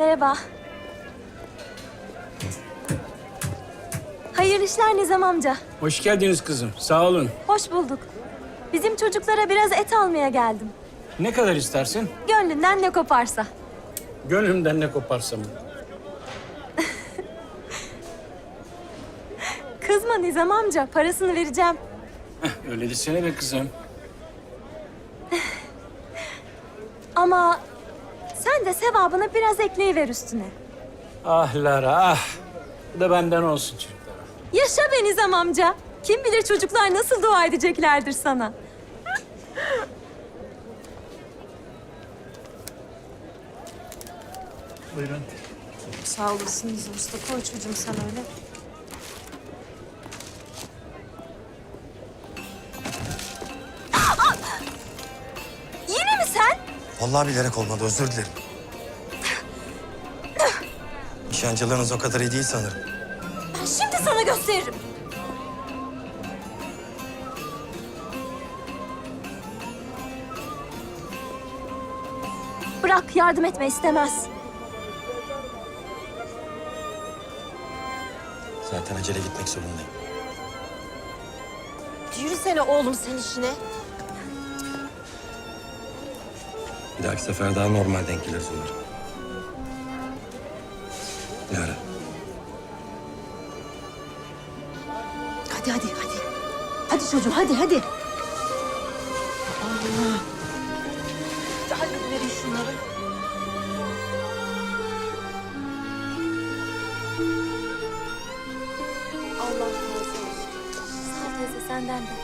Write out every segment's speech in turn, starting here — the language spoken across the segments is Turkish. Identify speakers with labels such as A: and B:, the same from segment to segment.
A: Merhaba. Hayırlı işler Nizam amca.
B: Hoş geldiniz kızım. Sağ olun.
A: Hoş bulduk. Bizim çocuklara biraz et almaya geldim.
B: Ne kadar istersin?
A: Gönlünden ne koparsa.
B: Gönlümden ne koparsam.
A: Kızma Nizam amca, parasını vereceğim.
B: Öyle desene be kızım.
A: Ama sen de sevabını biraz ekleyiver üstüne.
B: Ah Lara ah. Bu da benden olsun çocuklar.
A: Yaşa be Nizam amca. Kim bilir çocuklar nasıl dua edeceklerdir sana.
B: Buyurun.
A: Sağ olasın Nizam usta. Koy çocuğum sen öyle. Yine mi sen?
C: Vallahi bilerek olmadı, özür dilerim. Nişancılığınız o kadar iyi değil sanırım.
A: Ben şimdi sana gösteririm. Bırak, yardım etme istemez.
C: Zaten acele gitmek zorundayım.
A: Yürüsene oğlum sen işine.
C: Bir dahaki sefer daha normal denk geliriz umarım. Lara.
D: Hadi. Hadi çocuğum hadi. Allah. Hadi verin şunları.
A: Allah razı olsun. Sağ ol teyze, senden de.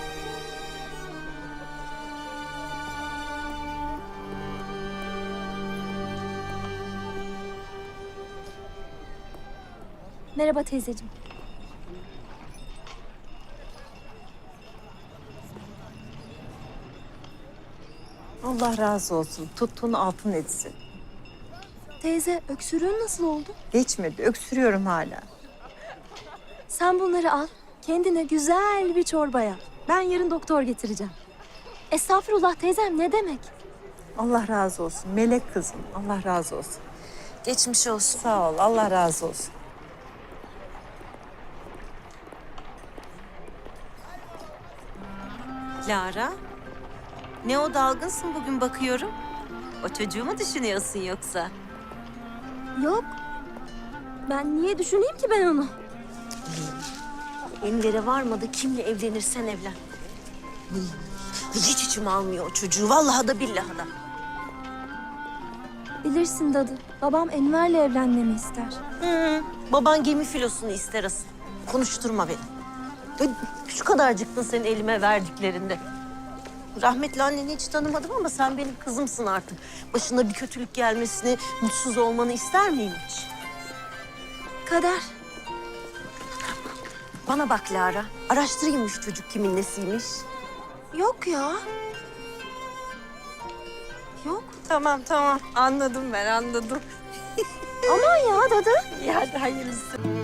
A: Merhaba teyzeciğim.
D: Allah razı olsun. Tuttuğun altın etsin.
A: Teyze, öksürüğün nasıl oldu?
D: Geçmedi. Öksürüyorum hala.
A: Sen bunları al, kendine güzel bir çorba yap. Ben yarın doktor getireceğim. Estağfurullah teyzem, ne demek?
D: Allah razı olsun. Melek kızım. Allah razı olsun.
A: Geçmiş olsun.
D: Sağ ol. Allah razı olsun.
E: Lara, ne o dalgınsın bugün bakıyorum. O çocuğu mu düşünüyorsun yoksa?
A: Yok. Ben niye düşüneyim ki ben onu?
E: Enver'e varmadı, kimle evlenirsen evlen. Hiç içim almıyor o çocuğu, vallahi da billahi da.
A: Bilirsin dadı, babam Enver'le evlenmemi ister.
E: Baban gemi filosunu ister asıl. Konuşturma beni. Şu kadarcıktın senin elime verdiklerinde. Rahmetli anneni hiç tanımadım ama sen benim kızımsın artık. Başına bir kötülük gelmesini, mutsuz olmanı ister miyim hiç?
A: Kader.
E: Bana bak Lara, araştırayım şu çocuk kimin nesiymiş.
A: Yok ya. Yok.
E: Tamam, anladım ben, anladım.
A: Aman ya dadı.
E: İyi hadi hayırlısı.